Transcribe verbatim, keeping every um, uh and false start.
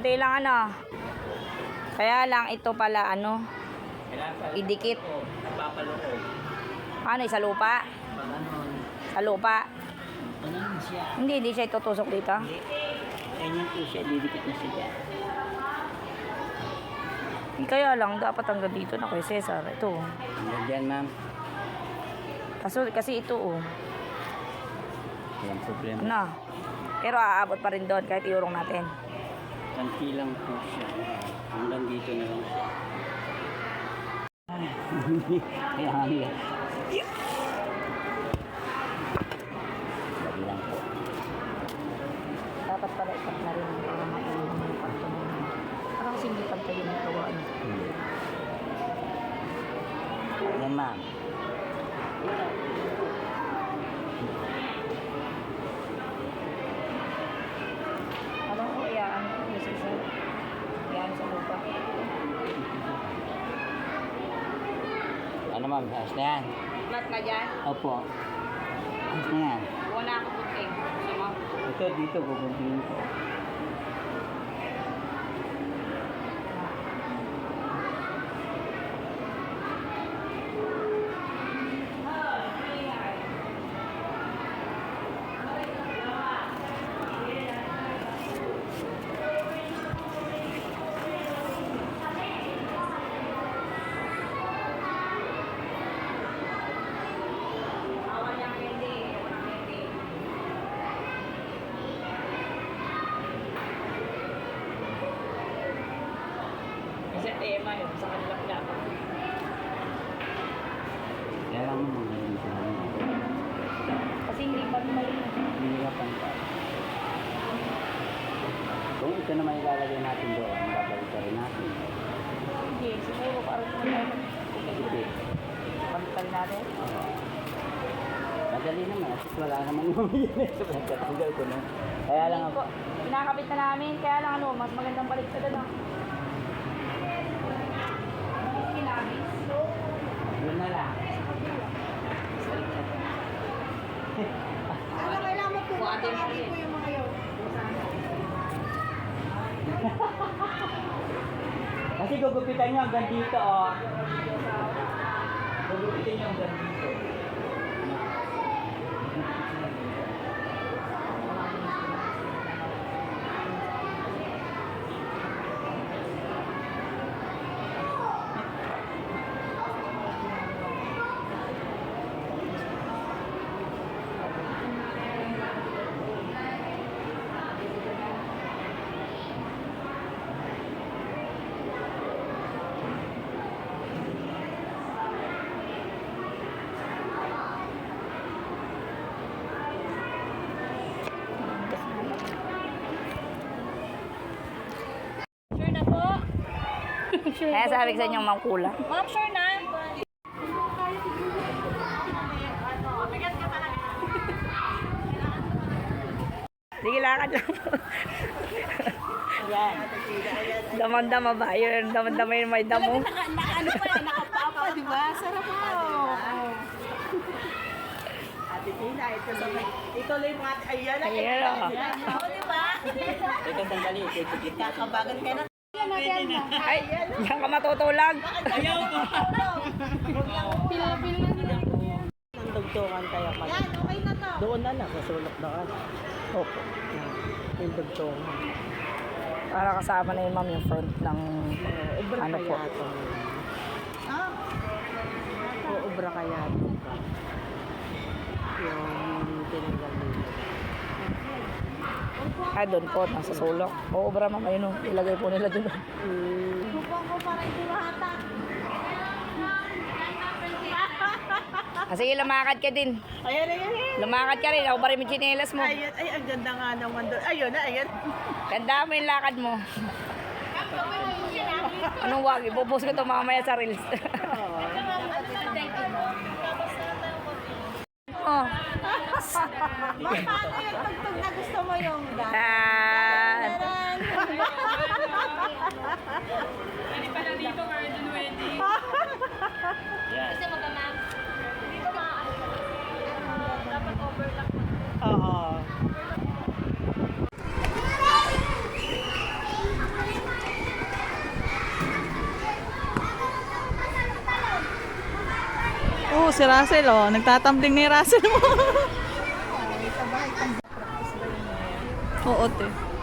konti lang ano. Kaya lang ito pala ano, idikit. Napapaloob. Ano, sa lupa? Sa lupa? Ganun siya. Hindi, hindi siya itutusok dito. Hindi. Ganyan po siya, didikit na siya. Kaya lang, dapat hanggang dito na kay Cesar. Ito. Hanggang dyan, ma'am. Kaso, kasi ito oh. Walang problema. Ano? Pero aabot pa rin doon kahit iurong natin. Kanti lang po siya. Hanggang dito na lang siya. Kaya hanggang. Lagi lang po. Dapat pala ikat na rin para maiulong yung parto mo. Parang kasi hindi pantay yung gawaan. Hmm. Yan, ma'am. Alam ko, iyaan ko yung Cesar. Iyaan sa lupa. Ano, ma'am? Ayos na yan? Flat na dyan? Opo. Ayos na yan. Wala ako buting. Sama. Ito, dito, guguntingin ko. Kasi tema yun sa kanilang laban. Kaya lang mo magaling sila. Kasi hindi pantay. Hindi ka pantay. Kung ito naman ilalagay natin doon, babalik ka rin natin. Hindi, siguro parang kung tayo Sige. pantay natin. Oo. Madali naman, at least wala naman yung yun. Pagkatanggal ko na. Kaya lang ako. Pinakabit na namin, kaya lang ano, mas magandang balik sa doon. Yun na lang. Ano kailangan mo po matanggalin ko yung mga yun? Kasi gugupitan nyo hanggang dito, oh. Gugupitan nyo hanggang dito. Sure na po? Kaya sabi ko sa inyo, ma'am kulang. Ma'am, sure na? Sige, lakad lang. Ayan. Damang-dama ba? Yun, damang-dama yung may damo. Naka, naka, ano pa, nakapapa, di ba? Sarap po. Ate Tina, ito tuloy. Ituloy mo ate. Ayan na. Ayan na. Oo, di ba? Ito sandali, ito kita. Kakabagan ka na. Ayan na. Ay, yan ka matutulag. Ayaw ko. Pila-pila na. Ang dugtungan kaya pala. Yan, okay na to. Doon na lang, sa sulok na ka. Opo. Yung dugtungan. Para kasama na yun, ma'am, yung front ng Ubra ano po. kaya ito. Ah, O, ubra kaya ito. Yung tinanggal nila. Ay, doon po, nasa sulok. Oo, bra, ma'am, ayun o. Ilagay po nila doon. Hmm. bukong ko para ito lahata. Kasi lumakad ka din. Ayan, ayan, ayan. Lumakad ka rin. Ako pa rin yung chinelas mo. Ayan, ay, ang ganda nga naman doon. Ayun na, ayan. Tanda mo yung lakad mo. Anong wag? Ipopost ko ito mamaya sa reels. Oh. Ma, paano yung tugtog na gusto mo yung dance? Ah. Pwede pa na dito, garden wedding. Yan. Dito maaano ka. Dapat overlap mo. Oo. Oo, si Russell, oh. Nagtatambling ni Russell mo. Ay, sa bahay, pang practice ba yun? Oo, te.